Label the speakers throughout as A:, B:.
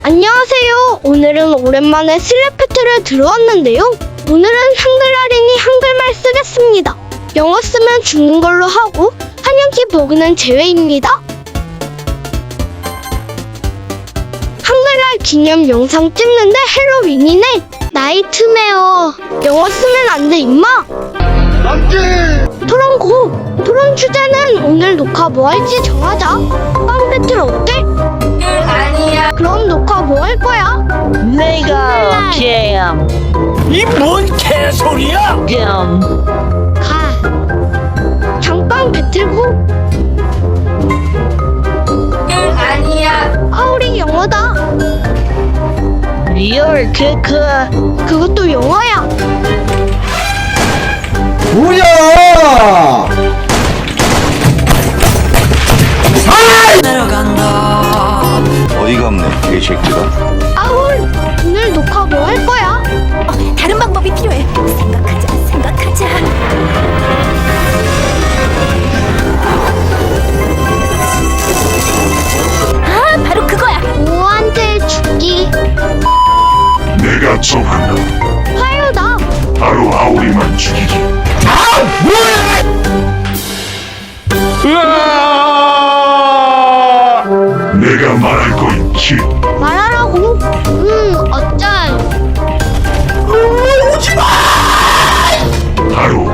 A: 안녕하세요. 오늘은 오랜만에 슬래프트를 들어왔는데요. 오늘은 한글 할인이 한글말 쓰겠습니다. 영어 쓰면 죽는 걸로 하고 한영키 버그는 제외입니다. 한글날 기념 영상 찍는데 헬로윈이네. 나이트메어. 영어 쓰면 안 돼 임마. 토론 고. 토론 주제는 오늘 녹화 뭐 할지 정하자. 빵 배틀 어때?
B: 아니야.
A: 그럼 녹화 뭐 할 거야?
C: 내가 게임
D: 이 뭔 개소리야?
A: 가. 장빵 배틀고.
B: 아니야.
A: 하울이 영어다.
C: 리얼 크크
A: 그것도 영어야.
E: 뭐야!
F: 어이가 없네, 이 새끼가.
A: 하울, 오늘 녹화 뭐 할 거야?
B: 다른 방법이 필요해. 생각하자. 아, 바로 그거야.
A: 오한테 죽기.
G: 내가 정한다.
A: 화요다.
G: 바로 아오리만 죽이기. 내가 말할 거인 키.
A: 말하라고. 어쩔.
G: 바로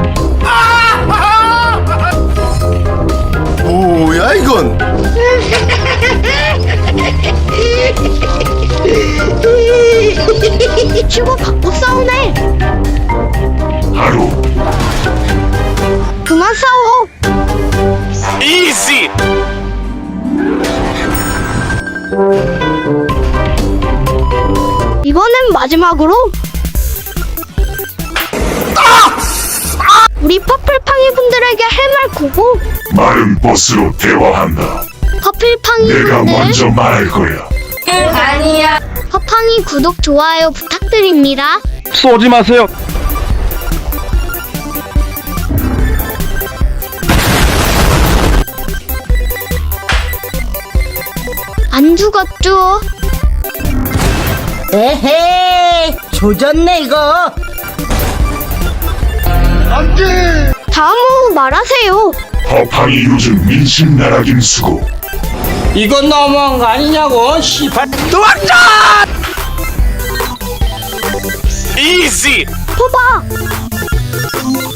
E: 뭐야 이건?
A: 치고 받고 싸우네.
G: 바로
A: 그만 싸워.
D: 이지!
A: 이번엔 마지막으로. 우리 퍼플팡이 분들에게 할 말 고고.
G: 마른 버스로 대화한다.
A: 퍼플팡이
G: 내가
A: 분들.
G: 먼저 말할 거야.
B: 아니야.
A: 퍼팡이 구독 좋아요 부탁드립니다.
D: 쏘지 마세요.
A: 안 죽었죠?
C: 에헤이 조졌네 이거.
A: 다음으로 말하세요.
G: 허팡이 요즘 민심 나락인 수고.
D: 이건 너무한 거 아니냐고, 씨발. 도망쳐! 이지!
A: 포바.